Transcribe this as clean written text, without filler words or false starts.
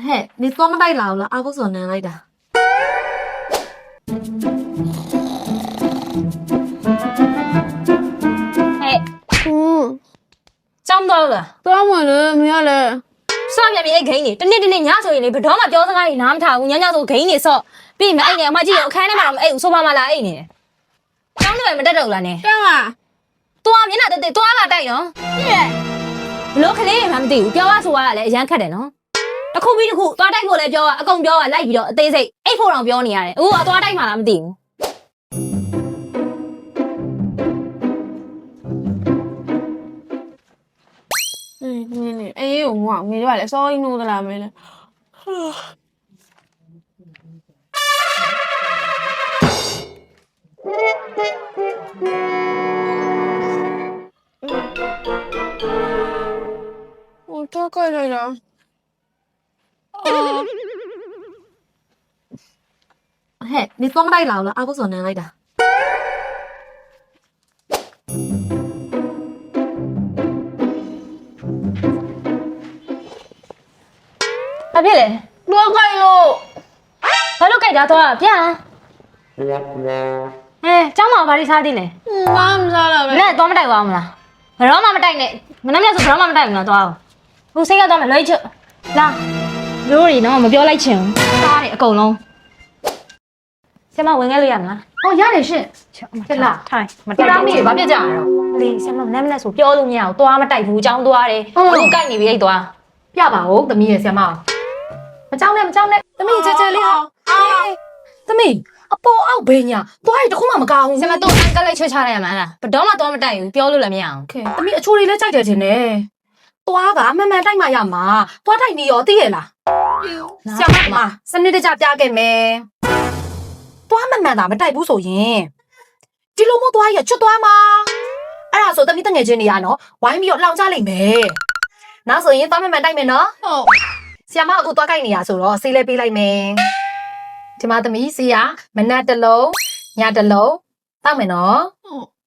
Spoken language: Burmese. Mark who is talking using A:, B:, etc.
A: 嘿，你多么带老了，阿不所能来的。
B: 嘿，找不到了。
C: သွားမလဲမရလဲ
B: 上面别给你，等你伢说你不他妈标上来，拿他，我伢说给你说，别没哎你，我记得我看那嘛，哎，我说妈妈来哎你，找你没得着了呢。
C: တန်းလား
B: 多面那得多嘛带哟。老客嘞，他们对，标啊说啊来，人看的喏。那酷比的酷，多带过来标啊，公标啊来比了，对谁？哎，破上标你啊嘞，我多带嘛他们对。
C: နင်းအေးဟိုမောင်မေတို့ကလည်းစောရင်းလို့သလားမေလဲဟိုတော့ကြိုက်လိုက်တာ
A: 嘿，你多么带老了，阿不所能来的。
B: ဘာဖြစ်လဲ
C: တော့ကြိုက်လို့
B: ဘာလို့ကြိုက်တာတော့ပြန်ကျောင်းမှာဘာတွေစားသေးလဲ
C: ဘာမှမစားတော့ပဲ
B: နဲ့တော့မတိုက်ပါဘူးမလားဘယ်တော့မှမတိုက်နဲ့မနှမ်းမြတ်ဆိုဘယ်တော့မှမတိုက်ဘူးလားတော့ဟိုစိတ်ကတော့မလွှဲချလာတို့တွေတော့မပြောလိုက်ချင်ဘူးစားတယ်အကုန်လုံးဆရာမဝင်ခဲ့လို့ရမလား
A: 哦，呀，你是，
B: ဖြစ်လားထိုင်မ
A: 你
B: တိုက်
A: 拉
B: ဘူး
A: 米，把别讲了。
B: လေဆရာမမနှမ်းမြတ်ဆိုပြောလို့မရဘူးသွားမတိုက်ဘူးကျောင်းသွားတယ်သူကြိုက်နေပြီအဲ့သွား
A: 别吧，我的米也行嘛。မကြောက်နဲ့မကြောက်နဲ့သမီးကြကြလေးဟာသမီးအပေါ်အောက်ဘေးညာသွားရတခုမှမကောင်းဘူး
B: ဆရာမတော့အန်ကလိုက်ချွတ်ချလိုက်ရမှာလားဘယ်တော့မှသွားမတိုက်ဘူးပြောလို့လည်းမရအောင်
A: ခဲသမီးအချိုးလေးလည်းကြိုက်တယ်ခြင်းနဲ့သွားကမှန်မှန်တိုက်မှရမှာသွားတိုက်နေရောသိရလားဆရာမစနစ်တကျပြခဲ့မယ်သွားမှန်မှန်သာမတိုက်ဘူးဆိုရင်ဒီလိုမျိုးသွားရချွတ်သွားမှာအဲ့ဒါဆိုသမီးတငယ်ချင်းနေရနော်ဝိုင်းပြီးတော့လောင်ချလိုက်မယ်နောက်ဆိုရင်သွားမှန်မှန်တိုက်မယ်နော်
C: ဟုတ်
A: ဆရာမအခုသွားကြိုက်နေရဆိုတော့ဆေးလေးပေးလိုက်မယ်ဒီမှာသမီးဆေးရမနက်တစ်လုံးညတစ်လုံးတောက်မယ်နော်
C: ဟုတ်